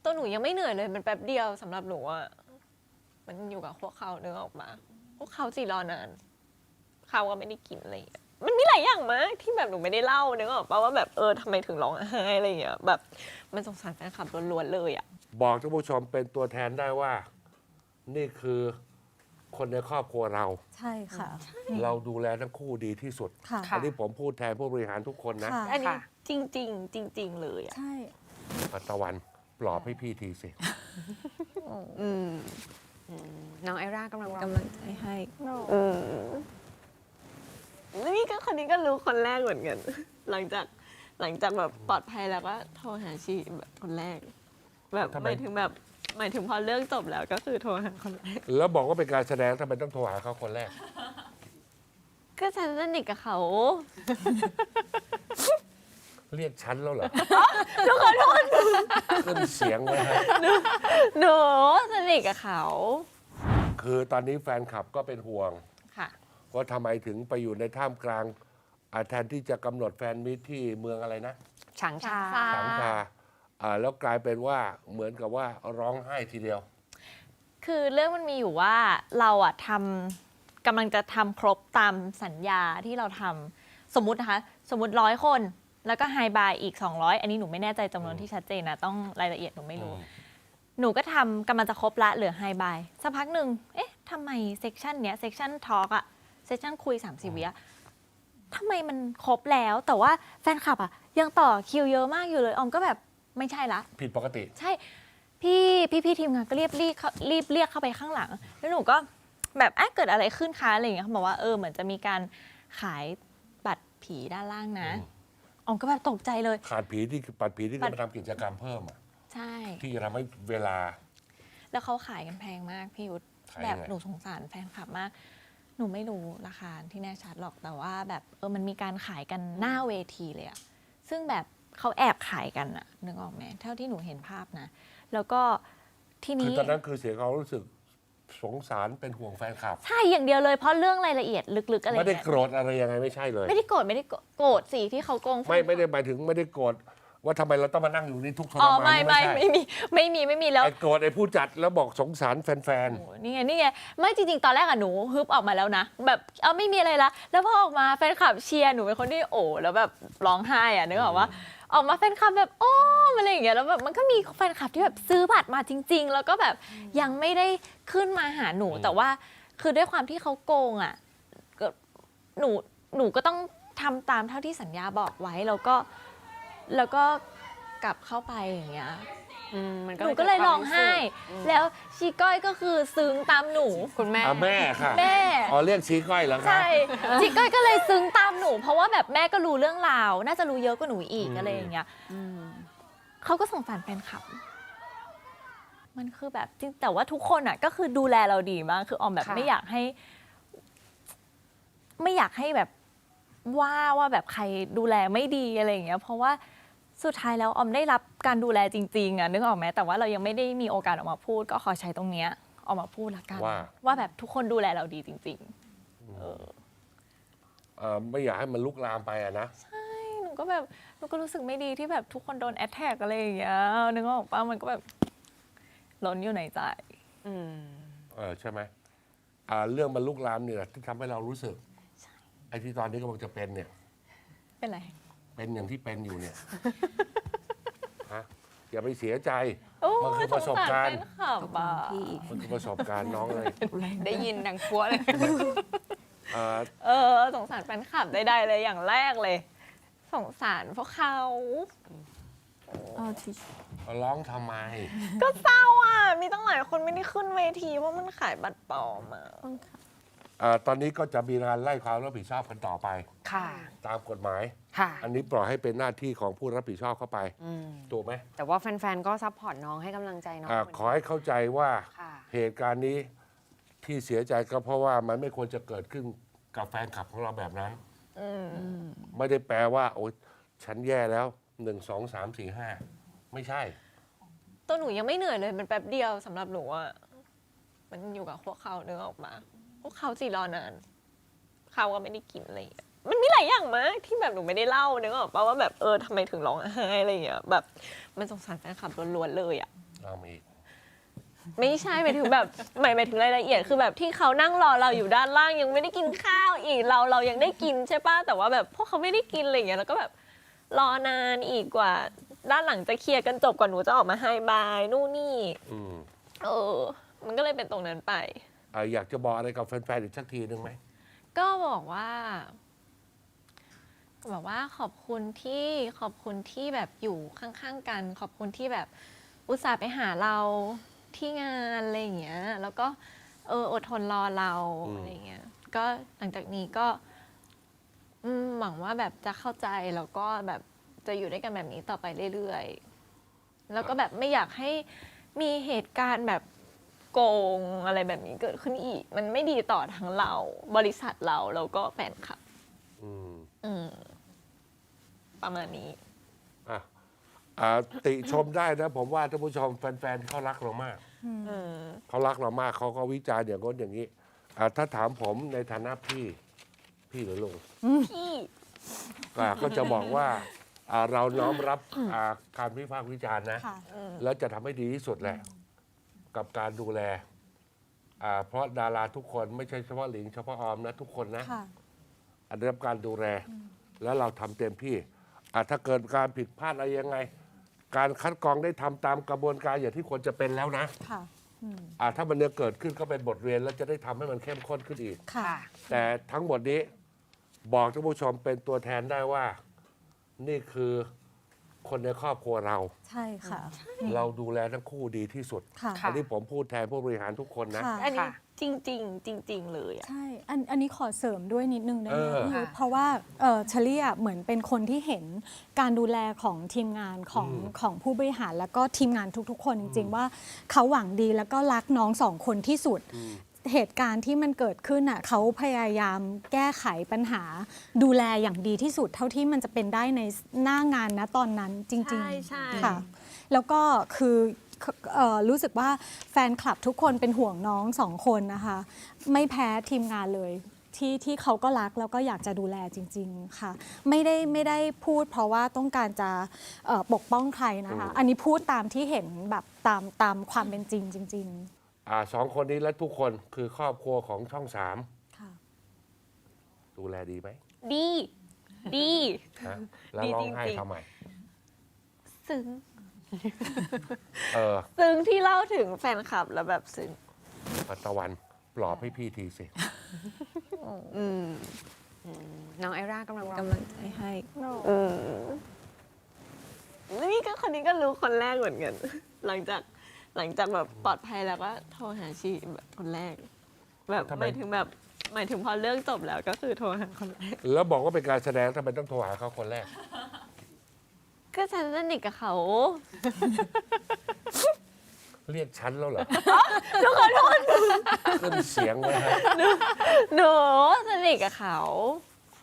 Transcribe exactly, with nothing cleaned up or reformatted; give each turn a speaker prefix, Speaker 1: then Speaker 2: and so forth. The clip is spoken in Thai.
Speaker 1: ตัวหนูยังไม่เหนื่อยเลยมันแป๊บเดียวสำหรับหนูอะมันอยู่กับพวกเขาเนื้อออกมาพวกเขาจีรอนานเขาก็ไม่ได้กินอะไรอย่างเงี้ยมันมีหลายอย่างมากที่แบบหนูไม่ได้เล่าเนื้อออกป่าว่าแบบเออทำไมถึงร้องไห้อะไรอย่างเงี้ยแบบมันสงสารแฟนคลับล้วนๆเลยอะ
Speaker 2: บอกท่านผู้ชมเป็นตัวแทนได้ว่านี่คือคนในครอบครัวเรา
Speaker 3: ใช่ค่ะ
Speaker 2: เราดูแลทั้งคู่ดีที่สุด
Speaker 3: ค่ะ
Speaker 2: อันนี้ผมพูดแทนผู้บริหารทุกคนนะ
Speaker 1: อันนี้จริงจริงจริงจริงเลยอะ
Speaker 3: ใช่
Speaker 2: ปัตะวันปลอบให้พี่ทีสิ
Speaker 1: อืม
Speaker 4: น้องไอร่ากำลัง
Speaker 1: กำลังใจให้อืมนี่ก็คนนี้ก็รู้คนแรกเหมือนกัน หลังจากหลังจากแบบปลอดภัยแล้วก็โทรหาชีแบบคนแรก แบบหมายถึงแบบหมายถึงพอเรื่องจบแล้วก็คือโทรหาคนแรก
Speaker 2: แล้วบอกว่าเป็นการแสดงทำไมต้องโทรหาเขาคนแรก
Speaker 1: ก็ฉันสนิทกับเขา
Speaker 2: เรียกฉันแล้วเหรอ
Speaker 1: หนูขอโทษ
Speaker 2: ขึ้นเสียงไว้ฮะ
Speaker 1: หนูสนิทกับเขา
Speaker 2: คือตอนนี้แฟนคลับก็เป็นห่วง
Speaker 1: ค่ะ
Speaker 2: ว่าทำไมถึงไปอยู่ในท่ามกลางอ่าแทนที่จะกำหนดแฟนมิตรที่เมืองอะไรนะ
Speaker 4: ฉางชา
Speaker 1: ฉางช
Speaker 2: สังคาอ่าแล้วกลายเป็นว่าเหมือนกับว่าร้องไห้ทีเดียว
Speaker 1: คือเรื่องมันมีอยู่ว่าเราอะทำกำลังจะทำครบตามสัญญาที่เราทำสมมุตินะคะ สมมติร้อยคน แล้วก็ไฮบายอีก สองร้อย อันนี้หนูไม่แน่ใจจำนวนที่ชัดเจนนะ ต้องรายละเอียดหนูไม่รู้ หนูก็ทำกำลังจะครบละเหลือไฮบายสักพักหนึ่งเอ๊ะทำไมเซกชันเนี้ยเซกชันทอล์กอะเซกชันคุยสามสิบวิอะทำไมมันครบแล้วแต่ว่าแฟนคลับอะยังต่อคิวเยอะมากอยู่เลยออมก็แบบไม่ใช่ละ
Speaker 2: ผิดปกติ
Speaker 1: ใช่พี่พี่พี่ทีมงานก็รีบรีบเข้ารีบเรียกเข้าไปข้างหลัง แล้วหนูก็แบบเอ๊ะเกิดอะไรขึ้นคะอะไรอย่างเงี้ยเขาบอกว่าเออเหมือนจะมีการขายบัตรผีด้านล่างนะออมก็แบบตกใจเลย
Speaker 2: ขาดผีที่ปัดผีที่จะมาทำกิจกรรมเพิ่มอะ
Speaker 1: ใช่
Speaker 2: ที่จะทำให้เวลา
Speaker 1: แล้วเขาขายกันแพงมากพี่ยุทธ
Speaker 2: ขาย
Speaker 1: แบ
Speaker 2: ยั
Speaker 1: บ
Speaker 2: งไง
Speaker 1: หนูสงสารแฟนคลับมาก หนูไม่รู้ราคาที่แน่ชัดหรอกแต่ว่าแบบเออมันมีการขายกันหน้าเวทีเลยอะซึ่งแบบเขาแอบขายกันอะนึกออกไหมเท่าที่หนูเห็นภาพนะ แล้วก็ที
Speaker 2: คือ
Speaker 1: นี้
Speaker 2: ตอนนั้นคือเสียความรู้สึกสงสารเป็นห่วงแฟนคลับ
Speaker 1: ใช่อย่างเดียวเลยเพราะเรื่องรายละเอียดลึกๆอะไร
Speaker 2: ไม่ได้
Speaker 1: เงี้ย
Speaker 2: โกรธอะไรยังไงไม่ใช่เลย
Speaker 1: ไม่ได้โกรธไม่ได้โกรธสิที่เขาโกง
Speaker 2: ไม่ไม่ได้หมายถึงไม่ได้โกรธว่าทำไมเราต้องมานั่งอยู่นี่ทุกข์ทร
Speaker 1: อ๋อ
Speaker 2: มาน
Speaker 1: ไม่
Speaker 2: นี่
Speaker 1: ไม่
Speaker 2: ใช่
Speaker 1: ไม่มีไม่มีไม่มีแล้ว
Speaker 2: ไอ้โกรธไอ้ผู้จัดแล้วบอกสงสารแฟน
Speaker 1: โอ้นี่ไงนี่ไงไม่จริงๆตอนแรกอะหนูฮึบออกมาแล้วนะ แบบเออไม่มีอะไรละแล้วพอออกมาแฟนคลับเชียร์หนูเป็นคนที่โอ้แล้วแบบร้องไห้อะนึกออกว่าออกมาแฟนคลับแบบโอ้อะไรอย่างเงี้ยแล้วแบบมันก็มีแฟนคลับที่แบบซื้อบัตรมาจริง ๆ แล้วก็แบบยังไม่ได้ขึ้นมาหาหนู แต่ว่าคือด้วยความที่เขาโกงอะก็หนูหนูก็ต้องทำตามเท่าที่สัญญาบอกไว้แล้วก็แล้วก็กลับเข้าไปอย่างเงี้ย
Speaker 4: อืมมัน
Speaker 1: หนูก็เลยร้องไห้ แล้วชีก้อยก็คือซึ้งตามหนู
Speaker 4: คุณแม่
Speaker 2: ๆอ่ะแม่ค่ะ
Speaker 1: แม่
Speaker 2: อ๋อเรียกชี้ก้อยเหรอคะ
Speaker 1: ใช่ชีก้อยก็เลยซึ้งตามหนู เพราะว่าแบบแม่ก็รู้เรื่องราว น่าจะรู้เยอะกว่าหนูอีกอะไรอย่างเงี้ยเขาก็สงสารแฟนคลับ มันคือแบบจริงแต่ว่าทุกคนอ่ะก็คือดูแลเราดีมากคือออมแบบ
Speaker 4: ค่ะ
Speaker 1: ไม่อยากให้ ไม่อยากให้แบบว่าว่าแบบใครดูแลไม่ดีอะไรอย่างเงี้ย เพราะว่าสุดท้ายแล้วออมได้รับการดูแลจริงๆอ่ะนึกออกไหมแต่ว่าเรายังไม่ได้มีโอกาสออกมาพูด ก็ขอใช้ตรงเนี้ยออกมาพูดละกัน
Speaker 2: ว่า
Speaker 1: ว่าแบบทุกคนดูแลเราดีจริง
Speaker 2: เอ่อไม่อยากให้มันลุกลามไปอะนะ
Speaker 1: ๆ ใช่หนูก็แบบหนูก็รู้สึกไม่ดีที่แบบทุกคนโดนแอดแทกอะไรอย่างเงี้ยนึกออกปะมันก็แบบล้นอยู่ในใจ
Speaker 4: อืม
Speaker 2: เออใช่ไหมอ่าเรื่องมันลุกลามเนี่ยที่ทำให้เรารู้สึกไอ้ที่ตอนนี้กำลังจะเป็นเนี่ย
Speaker 1: เป็นไร
Speaker 2: เป็นอย่างที่เป็นอยู่เนี่ย ฮะอย่าไปเสียใจ
Speaker 1: โอ้
Speaker 2: มันคือประสบการณ์
Speaker 1: สงสแฟนคลับอะ
Speaker 3: พี่
Speaker 2: มันคือประสบการณ์น้องเลย
Speaker 4: ได้ยินดังพัวเลย
Speaker 2: อ่า
Speaker 1: เออสงสารแฟนคลับได้ๆเลยอย่างแรกเลย สงสารพวกเขา
Speaker 3: เอาที่
Speaker 2: ร้องทำไม
Speaker 1: ก็เศร้าอ่ะ มีตั้งหลายคนไม่ได้ขึ้นเวทีเพราะมันขายบัตรปลอมอ่ะ
Speaker 3: ต้องค่ะ
Speaker 2: อ่าตอนนี้ก็จะมีการไล่ความรับผิดชอบกันต่อไป
Speaker 4: ค่ะ
Speaker 2: ตามกฎหมาย
Speaker 4: ค่ะ
Speaker 2: อันนี้ปล่อยให้เป็นหน้าที่ของผู้รับผิดชอบเข้าไป
Speaker 4: อืม
Speaker 2: ถูกไหม
Speaker 4: แต่ว่าแฟนๆ ก็ซัพพอร์ตน้องให้กำลังใจน้อง
Speaker 2: อาขอให้เข้าใจว่า
Speaker 4: ค่ะ
Speaker 2: เหตุการณ์นี้ที่เสียใจก็เพราะว่ามันไม่ควรจะเกิดขึ้นกับแฟนคลับของเราแบบนั้น
Speaker 1: อืม
Speaker 2: ไม่ได้แปลว่า โอ๊ยฉันแย่แล้วหนึ่งสองสามสี่ห้าไม่ใช่
Speaker 1: ตัวหนูยังไม่เหนื่อยเลยมันแป๊บเดียวสำหรับหนูอ่ะ มันอยู่กับพวกเขาเนื้อออกมา พวกเขาจีรอนานเขาก็ไม่ได้กินอะไรอย่างเงี้ยมันมีหลายอย่างมากที่แบบหนูไม่ได้เล่าเนื้อออกป่าว่าแบบเออทำไมถึงร้องไห้อะไรอย่างเงี้ยแบบมันสงสารแฟนคลับล้วนๆเลยอ่ะ
Speaker 2: เอามาอีก
Speaker 1: ไม่ใช่หมายถึงแบบหมายหมายถึงรายละเอียดคือแบบที่เขานั่งรอเราอยู่ด้านล่างยังไม่ได้กินข้าวอีกเราเรายังได้กินใช่ป่ะแต่ว่าแบบพวกเขาไม่ได้กินอะไรอย่างเงี้ยแล้วก็แบบรอนานอีกกว่าด้านหลังจะเคลียร์กันจบกว่าหนูจะออกมาไฮบายนู่นนี่
Speaker 2: อืม
Speaker 1: เออ มันก็เลยเป็นตรงนั้นไป
Speaker 2: อ่ะอยากจะบอกอะไรกับแฟนๆอีกสักทีหนึ่งไหม
Speaker 1: ก็บอกว่าบอกว่าขอบคุณที่ขอบคุณที่แบบอยู่ข้างๆกัน ขอบคุณที่แบบอุตส่าห์ไปหาเราที่งานอะไรอย่างเงี้ย แล้วก็เอออดทนรอเรา
Speaker 2: อืม
Speaker 1: อะไรอย่างเงี้ย ก็หลังจากนี้ก็อืมหวังว่าแบบจะเข้าใจแล้วก็แบบจะอยู่ด้วยกันแบบนี้ต่อไปเรื่อยๆ แล้วก็แบบไม่อยากให้มีเหตุการณ์แบบโกงอะไรแบบนี้เกิดขึ้นอีก มันไม่ดีต่อทั้งเรา บริษัทเราแล้วก็แฟนคลับ
Speaker 2: อืม
Speaker 1: อืม ประมาณนี้
Speaker 2: อ่ะอ่าติชมได้นะ ผมว่าท่านผู้ชมแฟนๆเขารักเรามาก
Speaker 1: เออ
Speaker 2: เขารักเรามากเขาก็วิจารณ์อย่างง้นอย่างนี้อ่าถ้าถามผมในฐานะพี่ พี่หรือลุง
Speaker 1: พี่
Speaker 2: อ่าก็จะบอกว่าอ่าเราน้อมรับอ่าการวิพากษ์วิจารณ์นะ
Speaker 3: ค่ะ
Speaker 2: แล้วจะทำให้ดีที่สุดแหละ กับการดูแลอ่าเพราะดาราทุกคนไม่ใช่เฉพาะหลิงเฉพาะออมนะ ทุกคนนะ
Speaker 3: ค่ะ
Speaker 2: อันได้รับการดูแล แล้วเราทำเต็มที่อ่ะถ้าเกิดการผิดพลาดอะไรยังไง การคัดกรองได้ทำตามกระบวนการอย่างที่ควรจะเป็นแล้วนะ
Speaker 3: ค่ะ
Speaker 2: อ่ะถ้ามันเนี่ยเกิดขึ้นก็เป็นบทเรียน แล้วจะได้ทำให้มันเข้มข้นขึ้นอีก
Speaker 3: ค่ะ
Speaker 2: แต่ทั้งหมดนี้บอกท่านผู้ชมเป็นตัวแทนได้ว่า นี่คือคนในครอบครัวเรา
Speaker 3: ใช่ค่ะ
Speaker 2: เราดูแลทั้งคู่ดีที่สุด
Speaker 3: ค่ะ
Speaker 2: อันนี้ผมพูดแทนผู้บริหารทุกคนนะ
Speaker 3: ค่ะ
Speaker 1: อันนี้
Speaker 4: ค่ะ
Speaker 1: จริง ๆ จริง ๆ เลยอะ
Speaker 3: ใช่ อัน อันนี้ขอเสริมด้วยนิดนึงได้ไหม
Speaker 2: เออ
Speaker 3: พี่ยุทธ
Speaker 4: ค่ะ
Speaker 3: เพราะว่าเออเชลี่อะเหมือนเป็นคนที่เห็นการดูแลของทีมงานของของผู้บริหารแล้วก็ทีมงานทุกๆ คนจริง ๆ ว่าเขาหวังดีแล้วก็รักน้องสองคนที่สุด เหตุการณ์ที่มันเกิดขึ้นอ่ะเขาพยายามแก้ไขปัญหา ดูแลอย่างดีที่สุด เท่าที่มันจะเป็นได้ในหน้างานนะตอนนั้นจริง
Speaker 1: ใช่ใช่
Speaker 3: ๆค่ะ แล้วก็คือเอ่อรู้สึกว่าแฟนคลับทุกคนเป็นห่วงน้องสองคนนะคะ ไม่แพ้ทีมงานเลย ที่ที่เขาก็รักแล้วก็อยากจะดูแลจริง ๆ ค่ะ ไม่ได้ไม่ได้พูดเพราะว่าต้องการจะเอ่อปกป้องใครนะคะ อันนี้พูดตามที่เห็นแบบตามตามความเป็นจริงจริง
Speaker 2: อ่าสองคนนี้และทุกคนคือครอบครัวของช่องสาม
Speaker 3: ๆ ค่ะ
Speaker 2: ดูแลดีไหม
Speaker 1: ดี ดี
Speaker 2: ฮะแล้ว
Speaker 1: ดี
Speaker 2: ร้องไห้
Speaker 1: จริงๆ
Speaker 2: ทำไม
Speaker 1: ซึ้ง
Speaker 2: เออ
Speaker 1: ซึ้งที่เล่าถึงแฟนคลับแล้วแบบซึ้ง
Speaker 2: ปัตตะวันปลอบให้พี่ทีสิ
Speaker 1: อืม
Speaker 4: น้องไอร่ากำลังรอ
Speaker 1: กำลังใจให้อืมนี่ก็คนนี้ก็รู้คนแรกเหมือนกัน หลังจากหลังจากแบบปลอดภัยแล้วก็โทรหาชีแบบคนแรก แบบ
Speaker 2: ทำไม
Speaker 1: หมายถึงแบบหมายถึงพอเรื่องจบแล้วก็คือโทรหาคนแรก
Speaker 2: แล้วบอกว่าเป็นการแสดงทำไมต้องโทรหาเขาคนแรก
Speaker 1: ก็ฉันสนิทกับเขา
Speaker 2: เรียกฉันแล้วเหรอ
Speaker 1: ทุกคนทุกคน
Speaker 2: ขึ้นเสียงไว้ฮะ
Speaker 1: หนูสนิทกับเขา